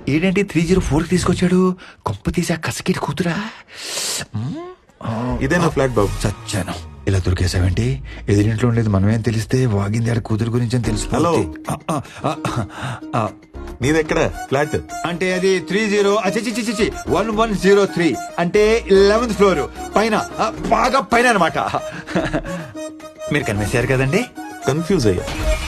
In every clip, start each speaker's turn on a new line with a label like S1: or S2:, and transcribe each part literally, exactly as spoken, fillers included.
S1: ఏంటంటే three zero four కి తీసుకొచ్చాడు. కొంప తీసా కసకిటి కూతురా.
S2: ఇదే నా ఫ్లాట్ బాబు.
S1: చచ్చాను. ఇలా దొరికేసావేంటి? ఎదురింట్లో ఉండేది మనమేం తెలిస్తే వాగింది ఆడ కూతురు గురించి అని తెలుసు.
S2: హలో, నీదెక్కడ ఫ్లాట్?
S1: అంటే అది త్రీ జీరో చిచి వన్ వన్ జీరో త్రీ అంటే లెవెన్త్ ఫ్లోర్ పైన, ఆ, బాగా పైన అనమాట. మీరు కనిపించారు కదండి.
S2: కన్ఫ్యూజ్ అయ్యా.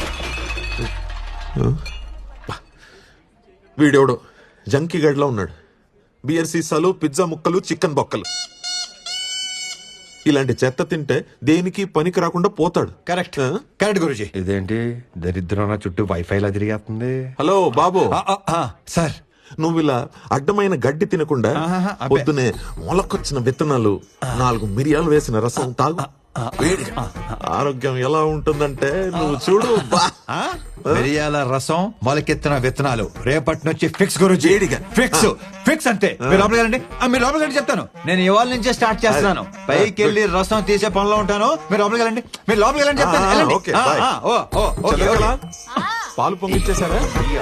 S2: వీడెవడో జంకీ గడ్లో ఉన్నాడు. బియర్ సీసాలు, పిజ్జా ముక్కలు, చికెన్ బొక్కలు. ఇలాంటి చెత్త తింటే దేనికి పనికి రాకుండా పోతాడు.
S1: Correct correct Guruji. ఇదేంటి దరిద్రం చుట్టూ వైఫై లా తిరిగేస్తుంది.
S2: హలో బాబు.
S1: సార్,
S2: నువ్వు ఇలా అడ్డమైన గడ్డి తినకుండా పొద్దునే మొలకొచ్చిన విత్తనాలు, నాలుగు మిరియాలు వేసిన రసం తాగు. వేడి ఆరోగ్యం ఎలా ఉంటుందంటే నువ్వు చూడు.
S1: మిరియాల రసం, మొలకెత్తిన విత్తనాలు రేపటి నుంచి ఫిక్స్ గురుజీ. ఫిక్స్ ఫిక్స్ అంతే. మీరు లోపలికి వెళ్ళండి. మీరు లోపలికి వెళ్ళి చెప్తాను. నేను ఇవాళ నుంచే స్టార్ట్ చేస్తున్నాను. పైకి వెళ్ళి రసం తీసే పనిలో ఉంటాను. మీరు లోపలికి వెళ్ళండి. మీరు లోపలికి వెళ్ళండి చెప్తాను.
S2: పాలు పొంగిచ్చేసారా?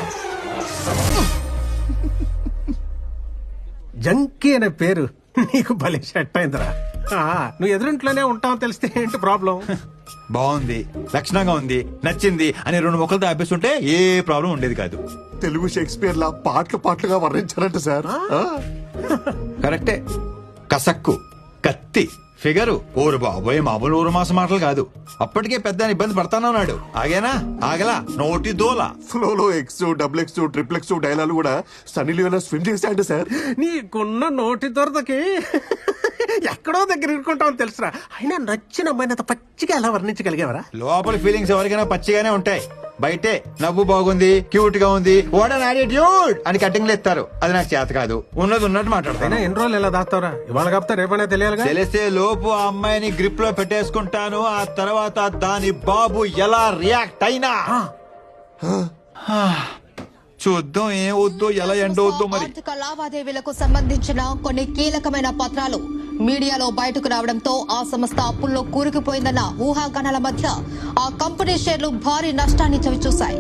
S3: జంకీ అనే పేరు నీకు భలే సెట్ అయిందిరా. నువ్వు ఎదురింట్లోనే ఉంటావు తెలిస్తే ఏంటి ప్రాబ్లం?
S1: బాగుంది, లక్షణంగా ఉంది, నచ్చింది అని రెండు మొక్కలతో ఆపేస్తుంటే ఏ ప్రాబ్లం ఉండేది కాదు.
S4: తెలుగు షేక్స్పియర్ లా పాటలు పాటలుగా వర్ణించారంట సార్.
S1: కరెక్టే. కసక్కు, కత్తి, ఫిగరు, ఊరు బాబోయే మామూలు ఊరు మాస మాటలు కాదు. అప్పటికే పెద్ద ఇబ్బంది పడతానన్నాడు. ఆగేనా? ఆగలా. నోటి దోల.
S4: ఫ్లోలో X, double X, triple X dialogue కూడా సన్నీ లియోనా స్విమ్ చేశాయంట సార్.
S3: నీకున్న నోటి దొరదకి ఎక్కడో దగ్గర ఇరుకుంటామని తెలుసురా. అయినా నచ్చిన అమ్మాయిని అంత పచ్చిగా ఎలా వర్ణించగలిగేవరా?
S1: లోపల ఫీలింగ్స్ ఎవరికైనా పచ్చిగానే ఉంటాయి. బయటే నవ్వు బాగుంది, క్యూట్ గా ఉంది, వాట్ అన్ యాటిట్యూడ్ అని కటింగ్లు ఎత్తారు. అది నాకు చేత కాదు. ఉన్నది ఉన్నట్టు మాట్లాడతాను.
S3: ఎన్ని రోజులు ఎలా దాస్తావరా? ఇవాళ కాపుతా రేపైనా తెలియాలి.
S1: తెలిస్తే లోపు ఆ అమ్మాయిని గ్రిప్ లో పెట్టేసుకుంటాను. ఆ తర్వాత దాని బాబు ఎలా రియాక్ట్ అయినా చూద్దాం. ఏం వద్దో ఎలా ఎండవద్దో మరి.
S5: ఆర్థిక లావాదేవీలకు సంబంధించిన కొన్ని కీలకమైన పత్రాలు మీడియాలో బయటకు రావడంతో ఆ సంస్థ అప్పుల్లో కూరుకుపోయిందన్న ఊహాగానాల మధ్య ఆ కంపెనీ షేర్లు భారీ నష్టాన్ని చవిచూశాయి.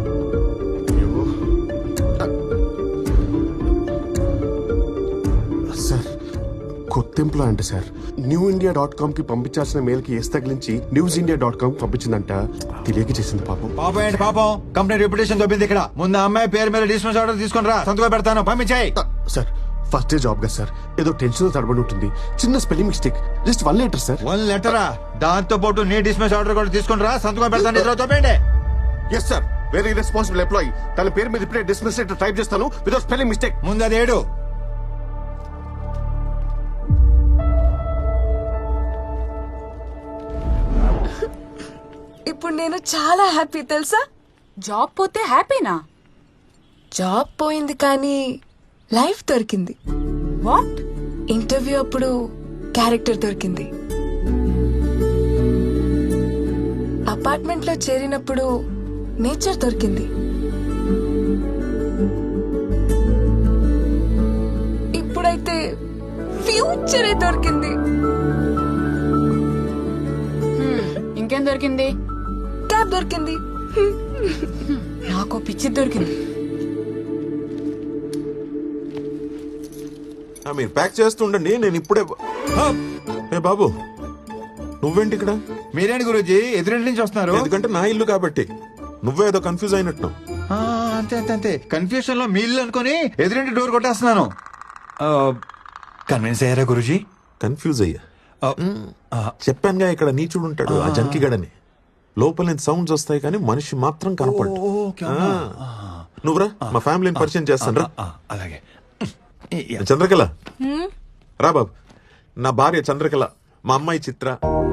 S4: సార్, కొత్త ఎంప్లాయ్ అంట sir. New India dot com కి పంపించాల్సిన మెయిల్ కి ఎస్ తగిలించి న్యూస్ ఇండియా డాట్ కామ్ పంపించిందంట. తెలియక చేసింది పాపం.
S1: పాపం ఏంటి పాపం? కంపెనీ రెప్యుటేషన్ దొబ్బింది ఇక్కడ. ముందు అమ్మాయి పేరు మీద డిస్మిస్ ఆర్డర్ తీసుకుని రా, సంతకం పెడతాను. పంపించాయి.
S4: సార్, ఫస్ట్ డే జాబ్ గా సార్. ఏదో టెన్షన్ తడబడి ఉంటుంది. చిన్న spelling mistake. Just one letter sir.
S1: One లెటరా? దాంతో పాటు నీ డిస్మిస్ ఆర్డర్ కూడా తీసుకుని రా, సంతకం పెడతాను. ఇద్దరు తోపేయండి.
S4: Yes sir. Very responsible employee. తన పేరు మీద ఇప్పుడే డిస్మిస్ లెటర్ టైప్ చేస్తాను వితౌట్ స్పెల్లింగ్ మిస్టేక్.
S1: ముందు అది ఏడు.
S6: ఇప్పుడు నేను చాలా హ్యాపీ తెలుసా.
S7: జాబ్ పోతే హ్యాపీనా?
S6: జాబ్ పోయింది కానీ లైఫ్ దొరికింది.
S7: వాట్?
S6: ఇంటర్వ్యూ అప్పుడు క్యారెక్టర్ దొరికింది. అపార్ట్మెంట్ లో చేరినప్పుడు నేచర్ దొరికింది. ఇప్పుడైతే ఫ్యూచరే దొరికింది.
S7: ఇంకేం దొరికింది?
S6: క్యాబ్ దొరికింది.
S7: నాకు పిచ్చి దొరికింది.
S2: మీరు ప్యాక్ చేస్తుండండి, నేను ఇప్పుడే. ఏ బాబు, నువ్వేంటి ఇక్కడ?
S1: మీరేంటి గురూజీ ఎదురింటి నుంచి వస్తున్నారు?
S2: ఎందుకంటే నా ఇల్లు కాబట్టి. నువ్వేదో కన్ఫ్యూజ్ అయినట్టు.
S1: అంతే అంతే అంతే. కన్ఫ్యూషన్ లో మీ ఇల్లు అనుకుని ఎదురింటి డోర్ కొట్టేస్తున్నాను. కన్విన్స్ అయ్యారా గురూజీ?
S2: కన్ఫ్యూజ్ అయ్యా. చెప్పానుగా ఇక్కడ నీచుడు ఉంటాడు, ఆ జంకిగడని. లోపల నుంచి సౌండ్స్ వస్తాయి కానీ మనిషి మాత్రం కనపడు. నువ్వురా, మా ఫ్యామిలీని పరిచయం చేస్తాను రా.
S1: అలాగే.
S2: చంద్రకళ రా బాబు. నా భార్య చంద్రకళ, మా అమ్మాయి చిత్ర.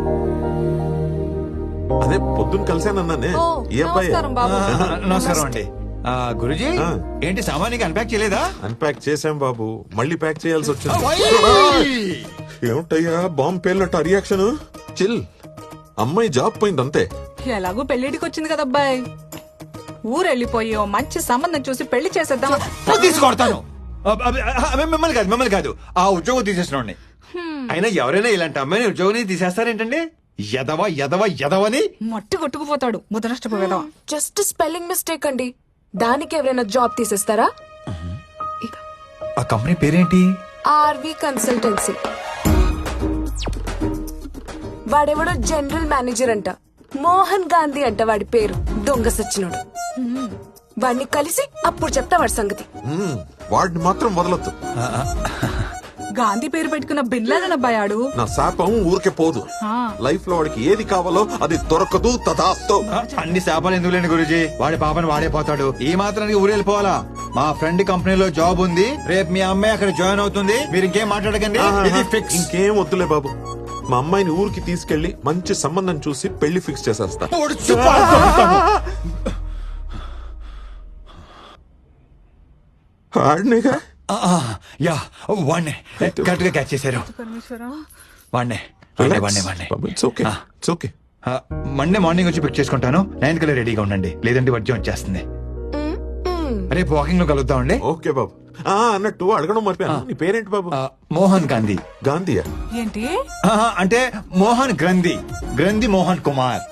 S2: అదే పొద్దున్న కలిసానన్నానే ఈ అబ్బాయి.
S1: నమస్కారం అండి. గురుజీ ఏంటి సామాన్యంగా అన్పాక్ చేయలేదా?
S2: అన్పాక్ చేసాం బాబు, మళ్ళీ ప్యాక్ చేయాల్సి వచ్చింది. ఏమిటయ్యా బాంబు పేర్లట రియాక్షన్? చిల్. అమ్మాయి జాబ్ పోయింది అంతే.
S7: ఎలాగో పెళ్లిడికి వచ్చింది కదా అబ్బాయి. ఊరెళ్ళిపోయి మంచి సంబంధం చూసి పెళ్లి చేసేద్దాం.
S1: తీసుకొడతాను. మిమ్మల్ని కాదు మిమ్మల్ని కాదు ఆ ఉద్యోగం తీసేసిన. అయినా ఎవరైనా ఇలాంటి అమ్మాయిని ఉద్యోగం తీసేస్తారేంటండి? ఎదవ ఎదవ ఎదవని
S7: మట్టి కొట్టుకుపోతాడు ముదనష్టపోయేదవ.
S6: జస్ట్ స్పెల్లింగ్ మిస్టేక్ అండి, దానికి ఎవరైనా జాబ్ తీసేస్తారా?
S1: ఆ కంపెనీ పేరేంటి?
S6: RV consultancy. వాడెవడో జనరల్ మేనేజర్ అంట, మోహన్ గాంధీ అంట వాడి పేరు. దొంగ సచ్చినోడు. వాడిని కలిసి అప్పుడు చెప్తా వాడి సంగతి.
S2: మ్మ్. వాడిని మాత్రం వదలొద్దు.
S7: గాంధీ పేరు పెట్టుకున్న బిన్లాదన్ అబ్బాయి ఆడు.
S2: నా శాపం ఊరికే పోదు. లైఫ్ లో వాడికి ఏది కావాలో అది దొరకదు. తదాస్తు.
S1: ఆ, అన్ని శాపాలు ఎందుకు లేని గురుజీ, వాడి పాపని వాడే పోతాడు. ఈ మాత్రానికి ఊరు వెళ్ళిపోవాలా? మా ఫ్రెండ్ కంపెనీలో జాబ్ ఉంది, రేపు మీ అమ్మాయి అక్కడ జాయిన్ అవుతుంది. మీరు ఇంకేం మాట్లాడకండి, ఇది ఫిక్స్.
S2: ఇంకేం వద్దులే బాబు. మా అమ్మాయిని ఊరికి తీసుకెళ్లి మంచి సంబంధం చూసి పెళ్లి ఫిక్స్ చేసేస్తా. ఆడినేగా.
S1: ఆ, ఆ, యా వాణ్ణే కరెక్ట్ గా క్యాచ్ చేశారు. వాణ్ణే వాణ్ణే వాణ్ణే వాణ్ణే
S2: it's okay, it's okay.
S1: Monday morning వచ్చి పిక్ చేసుకుంటాను. నైన్ కల్లా రెడీగా ఉండండి, లేదంటే వర్జం వచ్చేస్తుంది. రేపు వాకింగ్ లో కలుద్దామండి.
S2: ఓకే బాబు. ఆ అన్నట్టు అడగడం మర్చిపోయాను, నీ పేరేంటి బాబు?
S1: ఆ, మోహన్ గాంధీ.
S2: గాంధీయా?
S7: ఏంటి?
S1: ఆహా, అంటే మోహన్ గ్రంథి, గ్రంథి మోహన్ కుమార్.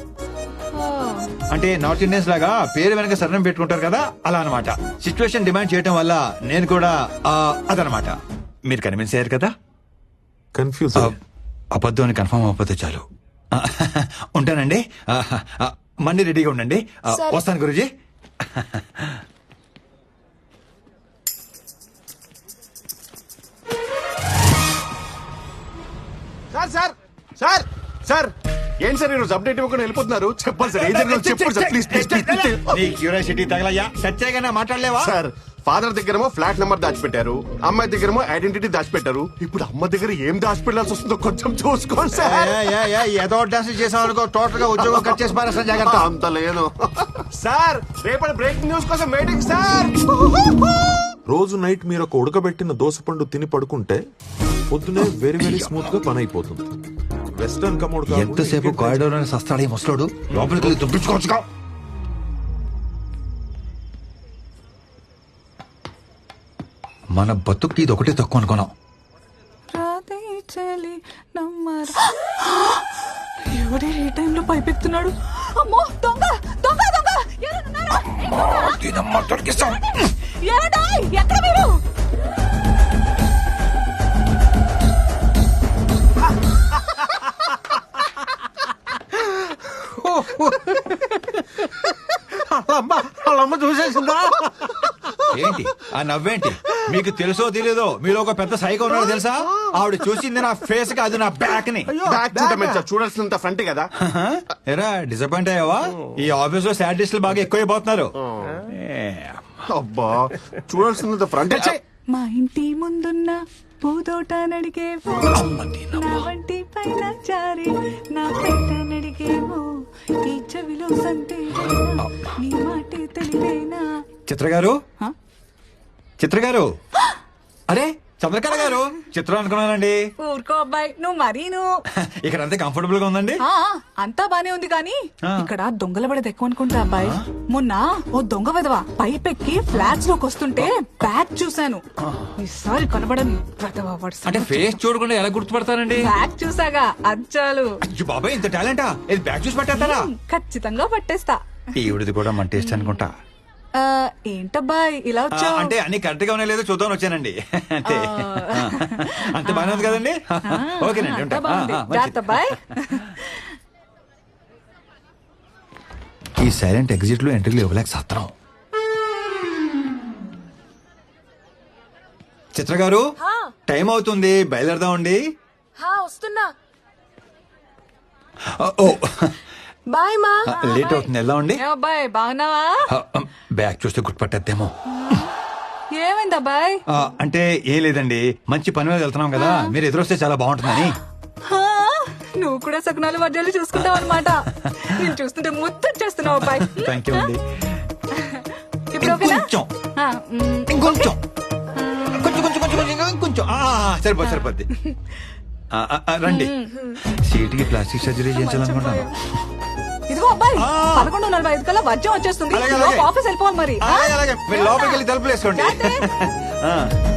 S1: అంటే నార్త్ ఇండియన్స్ లాగా పేరు వెనక సరణం పెట్టుకుంటారు కదా, అలా అన్నమాట. సిచ్యువేషన్ డిమాండ్ చేయటం వల్ల నేను కూడా ఆ, అదనమాట. మీరు కన్విన్స్ అయ్యారు కదా?
S2: కన్ఫ్యూజ్.
S1: ఆ, అబద్ధం అని కన్ఫర్మ్ అవ్వకపోతే చాలు. ఆ, ఉంటానండి. ఆ, ఆ, మండే రెడీగా ఉండండి. ఆ,
S6: సరే.
S1: వస్తాను గురూజీ.
S4: సార్ సార్ సార్ సార్ ఏంటి సార్ ఈరోజు అప్డేట్ ఇవ్వకుండా వెళ్ళిపోతున్నారు? చెప్పండి సార్, ఏం జరిగిందో చెప్పండి సార్, ప్లీజ్ ప్లీజ్ ప్లీజ్.
S1: నీ క్యూరియాసిటీ తగలయ్యా, సత్యాగా మాట్లాడలేవా?
S4: సార్, ఫాదర్ దగ్గరేమో ఫ్లాట్ నెంబర్ దాచిపెట్టారు, అమ్మాయి దగ్గరేమో ఐడెంటిటీ దాచిపెట్టారు. ఇప్పుడు అమ్మ దగ్గర ఏం దాచిపెట్టాల్సి వస్తుందో కొంచెం చూసుకోండి సార్.
S1: ఏ, ఏ, ఏ, ఏదో డాన్స్ చేసాం అనుకో, టోటల్ గా ఉద్యోగం కట్ చేసి పారేస్తాను, జాగ్రత్త.
S4: అంత లేదు సార్. రేపటి బ్రేకింగ్ న్యూస్ కోసం వెయిటింగ్ సార్.
S2: రోజు నైట్ మీరు ఒక ఉడకబెట్టిన దోసపండు తిని పడుకుంటే పొద్దునే వెరీ వెరీ స్మూత్ గా పని అయిపోతుంది. వెస్టర్న్ కమోడ్
S1: ఎంతసేపు కారిడోర్ అని సస్తాడు ఈ ముసలోడు, లోపలికి వెళ్ళి దుబ్బించుకోవచ్చుగా. మన బతుక్కి ఇది ఒకటే తక్కువ అనుకున్నాం.
S7: రాధే చలి నమ్మరా. ఎవడే ఏ టైంలో పైపెత్తున్నాడు? అమ్మో, దొంగ దొంగ దొంగ! ఎవరున్నారు? ఏ దొంగ? ఏమండి? ఎక్కడ మీరు?
S3: వాళ్ళమ్మ వాళ్ళమ్మ చూసేసిందా?
S1: ఏంటి ఆ నవ్వేంటి? మీకు తెలుసో తెలీదో మీలో ఒక పెద్ద సైకో ఉన్నాడు తెలుసా? ఆవిడ చూసింది నా ఫేస్ కి, అది నా బ్యాక్ ని.
S4: బ్యాక్ చూడమే సార్, చూడాల్సినంత ఫ్రంట్ కదా.
S1: ఎరా డిసప్పాయింట్ అయ్యావా? ఈ ఆఫీస్ లో సాడిస్టులు బాగా ఎక్కువైపోతున్నారు.
S4: అబ్బా, చూడాల్సినంత ఫ్రంట్.
S7: మా ఇంటి ముందున్న పూదోట నడిగేవో, నా వంటి పైన జారి నా పేట నడిగేవో, ఈ చెవిలో సంతే నీ మాటే తెలివేనా.
S1: చిత్ర గారు,
S7: హ?
S1: చిత్ర గారు, అరే చంద్రకళ గారు, చిత్రం అనుకున్నానండి.
S7: ఊరుకో అబ్బాయి, నువ్వు మరీ నువ్వు.
S1: ఇక్కడ అంతే కంఫర్టబుల్ గా ఉందండి.
S7: ఆ, అంతా బానే ఉంది కానీ
S1: ఆ.
S7: ఇక్కడ దొంగల పడేది ఎక్కువ అనుకుంటా అబ్బాయి. మొన్న ఓ దొంగ విధవ పైపెక్కి ఫ్లాట్స్ లోకి వస్తుంటే బ్యాగ్ చూశాను. ఈసారి కనబడని విధవ వాడి
S1: అంటే
S7: సంగతి.
S1: ఫేస్ చూడకుండా ఎలా గుర్తుపడతానండి?
S7: బ్యాగ్ చూసాగా అచ్చాలు.
S1: అయ్యో బాబాయ్, ఇంత టాలెంటా? ఇది బ్యాగ్ చూసి పట్టేస్తారా?
S7: ఖచ్చితంగా పట్టేస్తా.
S1: ఈవిడిది కూడా మన టేస్ట్ అనుకుంటా.
S7: ఆ, ఏంటబ్బాయి ఇలా
S1: ఆ,
S7: వచ్చావు?
S1: అంటే అన్ని కరెక్ట్ గా ఉన్నాయో లేదో చూద్దాం వచ్చానండి. అంతే. అంత బాగానే ఉంది కదండి? ఓకేనండి, ఉంటా. ఆ, ఆ, మంచిది.
S7: జాగ్రత్త అబ్బాయి.
S1: ఈ సైలెంట్ ఎగ్జిట్ లో ఎంట్రీలు ఇవ్వలేక సత్రం. చిత్ర గారు,
S6: హా.
S1: టైం అవుతుంది, బయలుదేరదామండి.
S6: హా, వస్తున్నా.
S1: ఓ
S6: బాయ్ మా.
S1: లేట్ అవుతుంది, వెళ్దామండి.
S7: ఏ అబ్బాయి బాగున్నావా?
S1: బ్యాగ్ చూస్తే గుర్తుపట్టేద్దేమో.
S7: ఏమైంది అబ్బాయి?
S1: ఆ, అంటే ఏం లేదండి, మంచి పని మీద వెళ్తున్నాం కదా, మీరు ఎదురొస్తే చాలా బాగుంటుందని.
S7: హా, నువ్వు కూడా సకునాలు వర్జాలు చూసుకుంటావు అనమాట. నేను చూస్తుంటే ముద్దొచ్చేస్తున్నావు అబ్బాయి.
S1: థ్యాంక్ యూ అండి.
S7: ఇప్పుడు ఓకేనా?
S1: ఇంకొంచెం
S7: ఆ, మ్,
S1: ఇంకొంచెం కొంచెం కొంచెం కొంచెం కొంచెం ఇంకొంచెం ఆ, సరిపోద్ది సరిపోద్ది. ఆ, ఆ, ఆ, రండి. సీటుకి ప్లాస్టిక్ సర్జరీ చేయించాలనుకుంటాను.
S7: ఇదిగో అబ్బాయి,
S1: ఆ.
S7: పదకొండు నలభై ఐదు కల్లా వర్జం వచ్చేస్తుంది.
S1: అలాగే,
S7: ఈలోపు
S1: అలాగే.
S7: ఆఫీస్ వెళ్ళిపోవాలి మరి.
S1: అలాగే అలాగే, మీరు లోపలికి వెళ్ళి తలుపులు వేసుకోండి.
S7: జాగ్రత్త.
S1: ఆ.